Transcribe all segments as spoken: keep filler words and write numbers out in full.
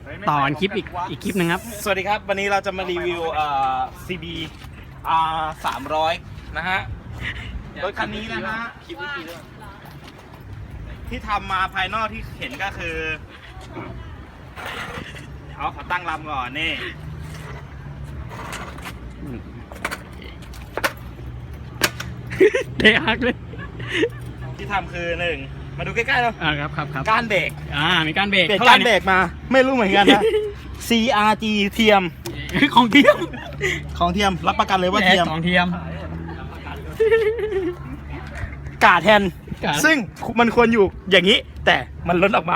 ต่อกันคลิปอีกอีกคลิปหนึ่งครับสวัสดีครับ วันนี้เราจะมารีวิวเอ่อ ซี บี อาร์ สามร้อยนะฮะรถคันนี้นะฮะที่ทำมาภายนอกที่เห็นก็คือเอาขอตั้งลำก่อนนี่เดฮักเลยที่ทำคือหนึ่งมาดูใกล้ๆเราอ่าครับครับครับก้านเบรกอ่ามีการเบรกเปลี่ยนเท่าไหก้าร่นเบรเนี่ยกมาไม่รู้เหมือนกันนะ ซี อาร์ จี เทียมของเทียมของเทียมรับประกันเลยว่าเทียมของเทียมกาดแทนกาดซึ่งมันควรอยู่อย่างนี้ แต่มันล้นออกมา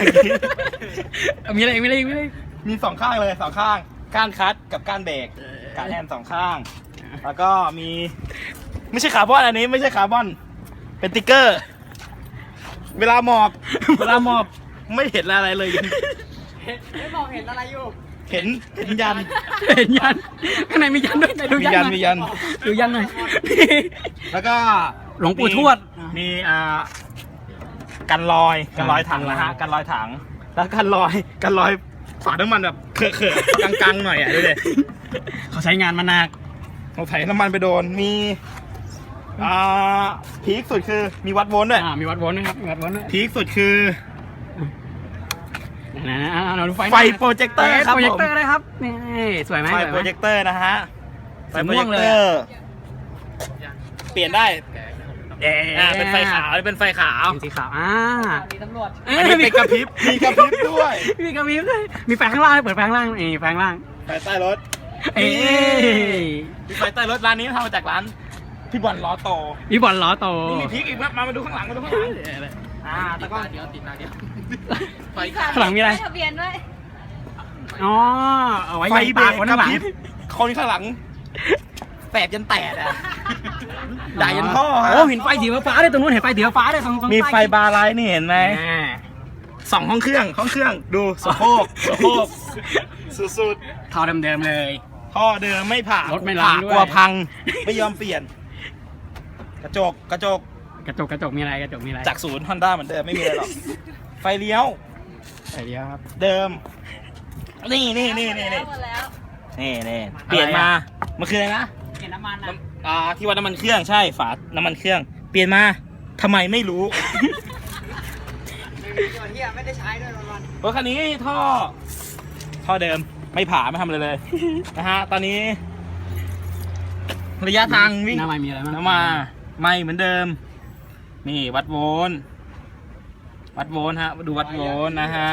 มีอะไรอีกมีอะไรอีกมีอะไรอีกมีสองข้างเลยสองข้างก้านคัดกับก้านเบรกกาดแทนสองข้าง แล้วก็มีไม่ใช่คาร์บอนอันนี้ไม่ใช่คาร์บอนเป็นติ๊กเกอร์ เวลาหมอบเวลาหมอบไม่เห็นอะไรเลยไม่บอกเห็นอะไรอยู่เห็นเห็นยันเห็นยันข้างในมียันด้วยไหนดูมียันยันหน่อยมียันดูยันหน่อยแล้วก็หลวงปู่ทวดมีอ่ากันรอยกันรอยถังนะฮะกันรอยถัง แล้วกันรอยกันรอยฝาน้ำมันแบบเขอะๆกังๆหน่อยอ่ะดูดิเขาใช้งานมาหนักเราไถน้ำมันไปโดนมีอ่าพีคสุดคือมีวัดโวลต์ด้วยอ่ามีวัดโวลต์นะครับมีวัดโวลต์ด้วยพีคสุดคือนะนะอ่าเราดูไฟไฟโปรเจคเตอร์ครับโปรเจผคมเตอร์เลยครับนี่สวยไหมไฟสวยโปไหรมเจคเตอร์นะฮะไฟสีโปรม่เจวงคเลยเตออะร์เปลี่ยนได้เอ๊ะอ่าเป็นไฟขาวเป็นไฟขาวเป็นสีขาวอ่ามีตำรวจอันนี้เป็นกระพริบมีกระพริบด้วยมีกระพริบด้วยมีไฟข้างล่างเปิดไฟข้างล่างนี่ไฟข้างล่างไฟใต้รถเอ้ยมีไฟใต้รถร้านนี้ทำมาจากร้านพี่บอลล้อโตมีบอลล้อโตนี่มีพริกอีกไหมมามาดูข้างหลังมาดูข้างหลังอ่าตะก้อนเดียวติดหน้าเดียวไฟข้างหลังมีอะไรทะเบียนด้วยอ๋อเอาไว้ไฟยิงเบรปาก กคนกระข้างหลัพงริบคนข้างหลังแตกยันแตกอ่ะด่ายันพ่อฮะโอ้เห็นไฟสีฟ้าด้วยตรงนู้นเห็นไฟสีฟ้าด้วยตรงตรงมีไฟใต้บาร์ไลท์นี่เห็นไหมอ่าสองห้องเครื่องห้องเครื่องดูสะโพกสะโพกสุดท่อเดิมๆเลยๆท่อเดิมไม่ผ่ารถไม่ล้างด้วยกลัวพังไม่ยอมเปลี่ยน กระจกกระจกกระจกกระจกมีอะไรกระจกมีอะไรจากศูนย์ฮอนด้าเหมือนเดิมไม่มีอะไรหรอกไฟเลี้ยวไฟเดียวครับเดิม นี่นี่นี่นี่นี่หมดแล้วนี่นี่เปลี่ยนมามันคืออะไรนะเห็นน้ำมันนะอ่าที่วัดน้ำมันเครื่องใช่ฝาน้ำมันเครื่อง เปลี่ยนมาทำไมไม่รู้ส่วนที่ไม่ได้ใช้ด้วยวันรถคันนี้ท่อ ท่อเดิมไม่ผ่าไม่ทำอะไรเลย นะฮะตอนนี้ ระยะทางวิ่งหน้าไม่มีอะไรมั้งน้ำมาไม่เหมือนเดิม นี่วัดโวลต์วัดโวลต์ฮะดูวัดโวลต์นะฮะ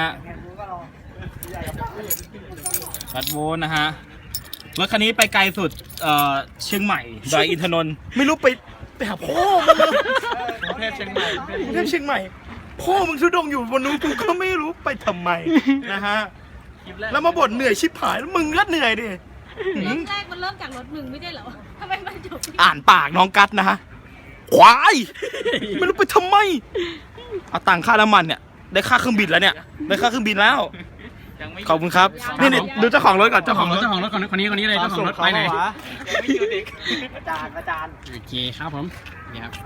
วัดโวลต์นะฮะรถคันนี้ไปไกลสุดเอ่อเชียงใหม่ดอยอินทนนท์ไม่รู้ไปไปหาพ่อมึงประเทศเชียงใหม่ประเทศเชียงใหม่พ่อมึงทุดงอยู่บนนู้นกูก็ไม่รู้ไปทำไมนะฮะแล้วมาบ่นเหนื่อยชิบหายแล้วมึงก็เหนื่อยดิหืรมถแรกมันเริ่มจากรถหนึ่งไม่ได้เหรอทำไมมันจบที่อ่านปากน้องกัดนะฮะควายไม่รู้ไปทำไมเอาตังค่าน้ำมันเนี่ยได้ค่าเครื่องบินแล้วเนี่ยได้ค่าเครื่องบินแล้วขอบคุณครับนี่นี่ดูเจ้าของรถก่อนเจ้าเจ้าขขออง งรรถถเจ้าของรถคนคนนี้คนนี้เลยเจ้าของรถไปไหนส่งเขาเหรอวะอาจารย์อาจารย์โอเคครับผมนี่ครับ